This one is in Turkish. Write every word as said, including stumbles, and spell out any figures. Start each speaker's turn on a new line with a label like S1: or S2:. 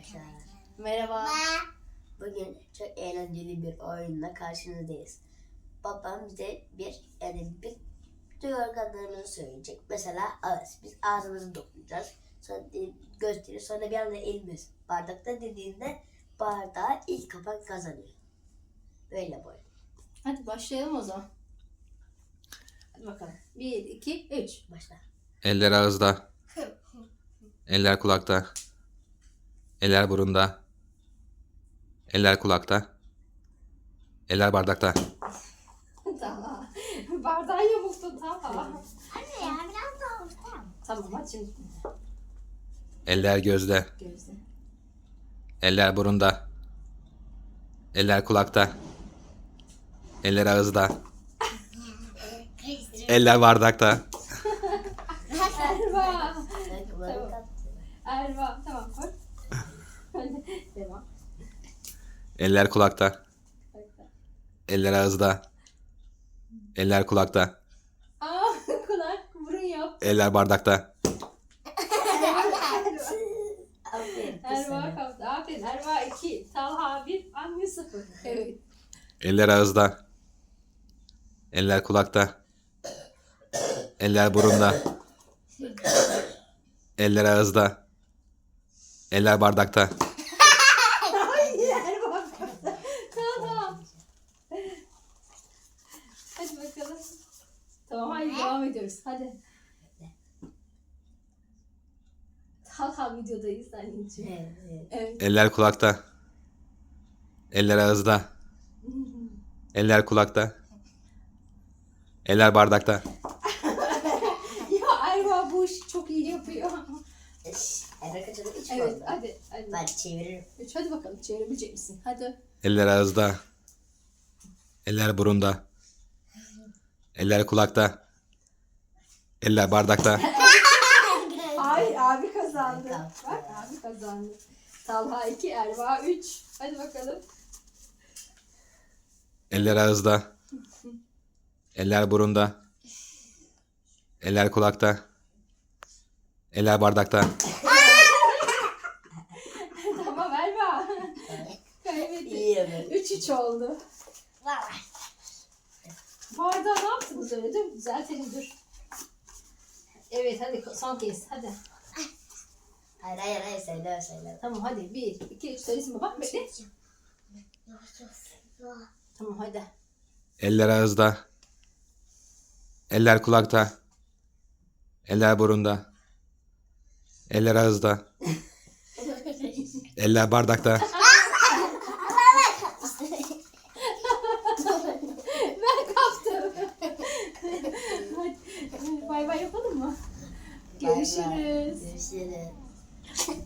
S1: arkadaşlar.
S2: Merhaba.
S1: Bugün çok eğlenceli bir oyunla karşınızdayız. Babam bize bir yani bir duyu organlarımızı söyleyecek. Mesela ağız. Biz ağzımızı dokunacağız. Sonra gösterir. Sonra bir anda elimiz bardakta dediğinde bardağı ilk kapan kazanıyor. Böyle bu oyun.
S2: Hadi başlayalım o zaman. Hadi bakalım. Bir, iki, üç.
S1: Başla.
S3: Eller ağızda. Eller kulakta. Eller burunda. Eller kulakta. Eller bardakta.
S2: Tamam. Bardağı yamulttun tamam.
S4: Anne ya biraz daha ortam.
S2: Tamam hadi şimdi.
S3: Eller gözde.
S2: Gözle.
S3: Eller burunda. Eller kulakta. Eller ağızda. Eller bardakta.
S2: Erva.
S1: Ben kulağımı
S2: Tamam.
S1: kattım.
S2: Erva. Tamam koy. Hadi devam.
S3: Eller kulakta. Eller ağızda. Eller kulakta.
S2: Aa kulak burun yap.
S3: Eller bardakta.
S1: Aferin kız
S2: Erva
S1: sana.
S2: kaptı. Aferin. Erva iki. Talha bir. Anne sıfır. Evet.
S3: Eller ağızda. Eller kulakta. Eller burunda. Eller ağızda. Eller bardakta.
S2: Hayır Erva kaptı. Tamam. Hadi bakalım. Tamam hadi devam ediyoruz. Hadi. Talha videodayız anneciğim.
S1: Evet, evet.
S2: Evet.
S3: Eller kulakta. Eller ağızda. Eller kulakta. Eller bardakta.
S2: Ya Erva bu işi çok iyi yapıyor.
S1: Eve kaçırdı üç
S2: Evet
S1: oldu.
S2: hadi. hadi.
S1: Ben çeviririm.
S2: Üç, hadi bakalım çevirebilecek misin? Hadi.
S3: Eller ağızda. Eller burunda. Eller kulakta. Eller bardakta.
S2: Hayır abi kazandı.
S1: Kaptı.
S2: Bak abi kazandı. Talha iki, Erva üç. Hadi bakalım.
S3: Eller ağızda. Eller burunda. Eller kulakta. Eller bardakta.
S2: Tamam Erva. Kaybettik.
S1: İyi evet.
S2: Üç üç oldu.
S4: Var.
S2: Bardağı ne yaptınız öyle değil mi? Düzeltelim dur. Evet hadi son kez hadi.
S1: Hayır hayır hayır söyle söyle.
S2: Tamam hadi bir, iki, üç söylesin baba. Bekle. Tamam hadi.
S3: Eller ağızda. Eller kulakta. Eller burunda. Eller ağızda. Eller bardakta.
S2: Ben kaptım. Hadi bay bay yapalım mı? Görüşürüz.
S1: Görüşürüz.